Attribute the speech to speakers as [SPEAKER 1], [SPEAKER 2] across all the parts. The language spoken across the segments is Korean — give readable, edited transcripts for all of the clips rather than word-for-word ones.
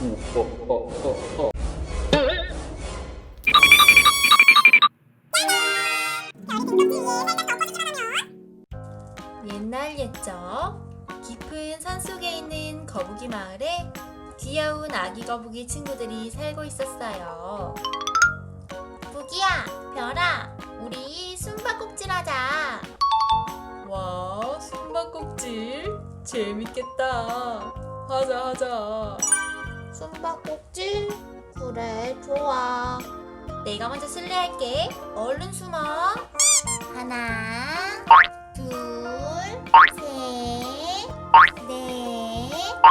[SPEAKER 1] 옛날 옛적 깊은 산속에 있는 거북이 마을에 귀여운 아기 거북이 친구들이 살고 있었어요. 부기야, 별아, 우리 숨바꼭질 하자. 와, 숨바꼭질 재밌겠다. 하자. 숨바꼭질? 그래, 좋아. 내가 먼저 술래할게. 얼른 숨어. 하나, 둘, 셋, 넷.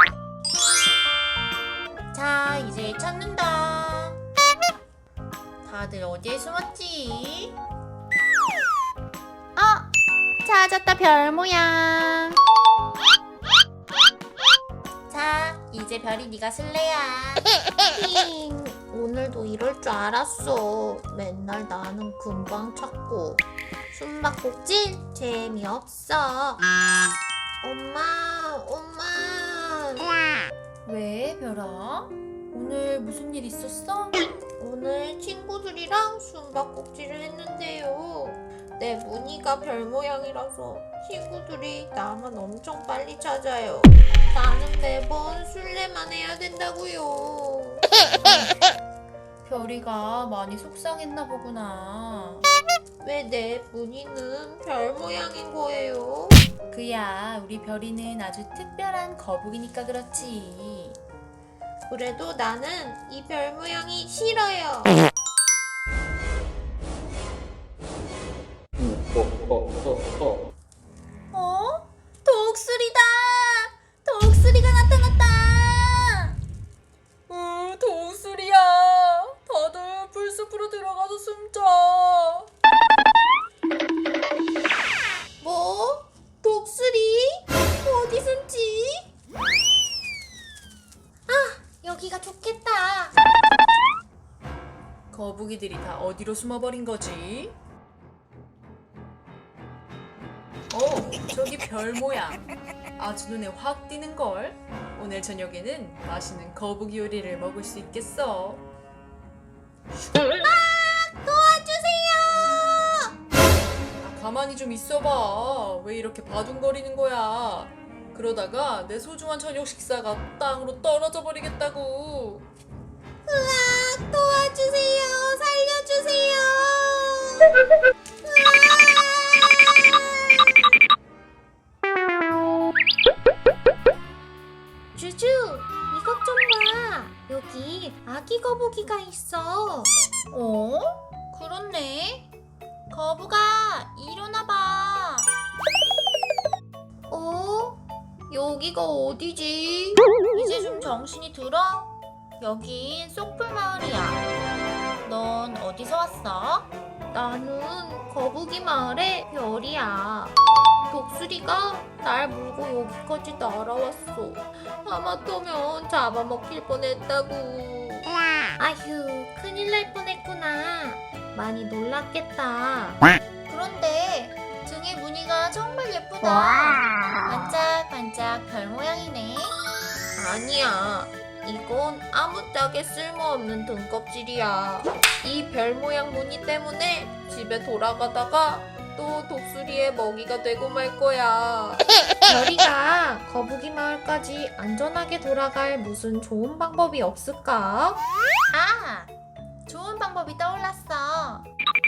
[SPEAKER 1] 자, 이제 찾는다. 다들 어디에 숨었지? 찾았다, 별 모양. 자, 이제 별이 네가 술래야. 힝, 오늘도 이럴 줄 알았어. 맨날 나는 금방 찾고. 숨바꼭질 재미없어. 엄마. 왜, 별아? 오늘 무슨 일 있었어? 오늘 친구들이랑 숨바꼭질을 했는데요. 내 무늬가 별 모양이라서 친구들이 나만 엄청 빨리 찾아요. 나는 매번 술래만 해야 된다고요. 별이가 많이 속상했나 보구나. 왜 내 무늬는 별 모양인 거예요? 그야, 우리 별이는 아주 특별한 거북이니까 그렇지. 그래도 나는 이 별 모양이 싫어요. 독수리다! 독수리가 나타났다! 독수리야! 다들 풀숲으로 들어가서 숨자. 뭐? 독수리? 어디 숨지? 여기가 좋겠다. 거북이들이 다 어디로 숨어버린 거지? 저기 별 모양. 아주 눈에 확 띄는걸. 오늘 저녁에는 맛있는 거북이 요리를 먹을 수 있겠어. 도와주세요! 가만히 좀 있어봐. 왜 이렇게 바둥거리는 거야? 그러다가 내 소중한 저녁 식사가 땅으로 떨어져 버리겠다고. 도와주세요! 살려주세요! 주주, 이것 좀 봐. 여기 아기 거북이가 있어. 그렇네. 거북아, 일어나봐. 여기가 어디지? 이제 좀 정신이 들어? 여긴 쏙풀 마을이야. 넌 어디서 왔어? 나는 거북이 마을의 별이야. 독수리가 날 물고 여기까지 날아왔어. 하마터면 잡아먹힐 뻔했다고. 아휴, 큰일 날 뻔했구나. 많이 놀랐겠다. 그런데 등의 무늬가 정말 예쁘다. 반짝반짝 별 모양이네. 아니야, 이건 아무짝에 쓸모없는 등껍질이야. 이 별 모양 무늬 때문에 집에 돌아가다가 또 독수리의 먹이가 되고 말 거야. 별이가 거북이 마을까지 안전하게 돌아갈 무슨 좋은 방법이 없을까? 좋은 방법이 떠올랐어.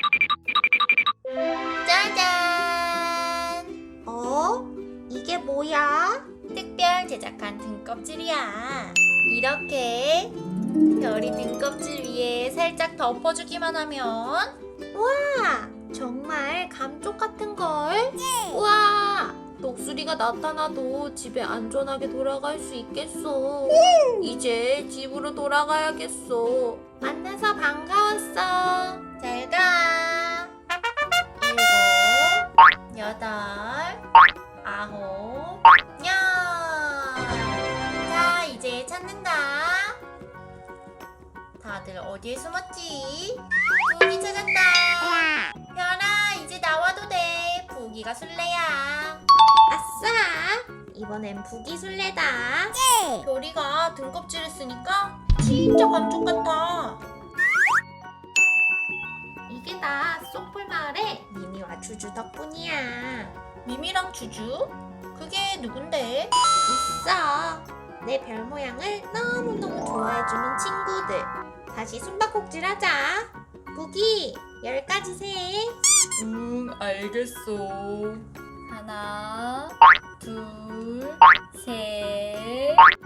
[SPEAKER 1] 짜잔! 이게 뭐야? 특별 제작한 등껍질이야. 이렇게 별이 등껍질 위에 살짝 덮어주기만 하면, 와! 정말 감쪽 같은걸? 우와! 독수리가 나타나도 집에 안전하게 돌아갈 수 있겠어. 이제 집으로 돌아가야겠어. 만나서 반가웠어. 잘 가. 7, 8, 9, 10. 자, 이제 찾는다. 다들 어디에 숨었지? 부기 찾았다. 별아, 이제 나와도 돼. 부기가 술래야. 아싸!
[SPEAKER 2] 이번엔 부기술래다.
[SPEAKER 1] 별이가 등껍질을 쓰니까 진짜 감쪽 같아.
[SPEAKER 2] 이게 다 쏙풀 마을의 미미와 주주 덕분이야.
[SPEAKER 1] 미미랑 주주? 그게 누군데?
[SPEAKER 2] 있어. 내 별 모양을 너무너무 좋아해주는 친구들. 다시 숨바꼭질하자. 부기 10가지 세.
[SPEAKER 1] 알겠어. 하나, 둘, 셋,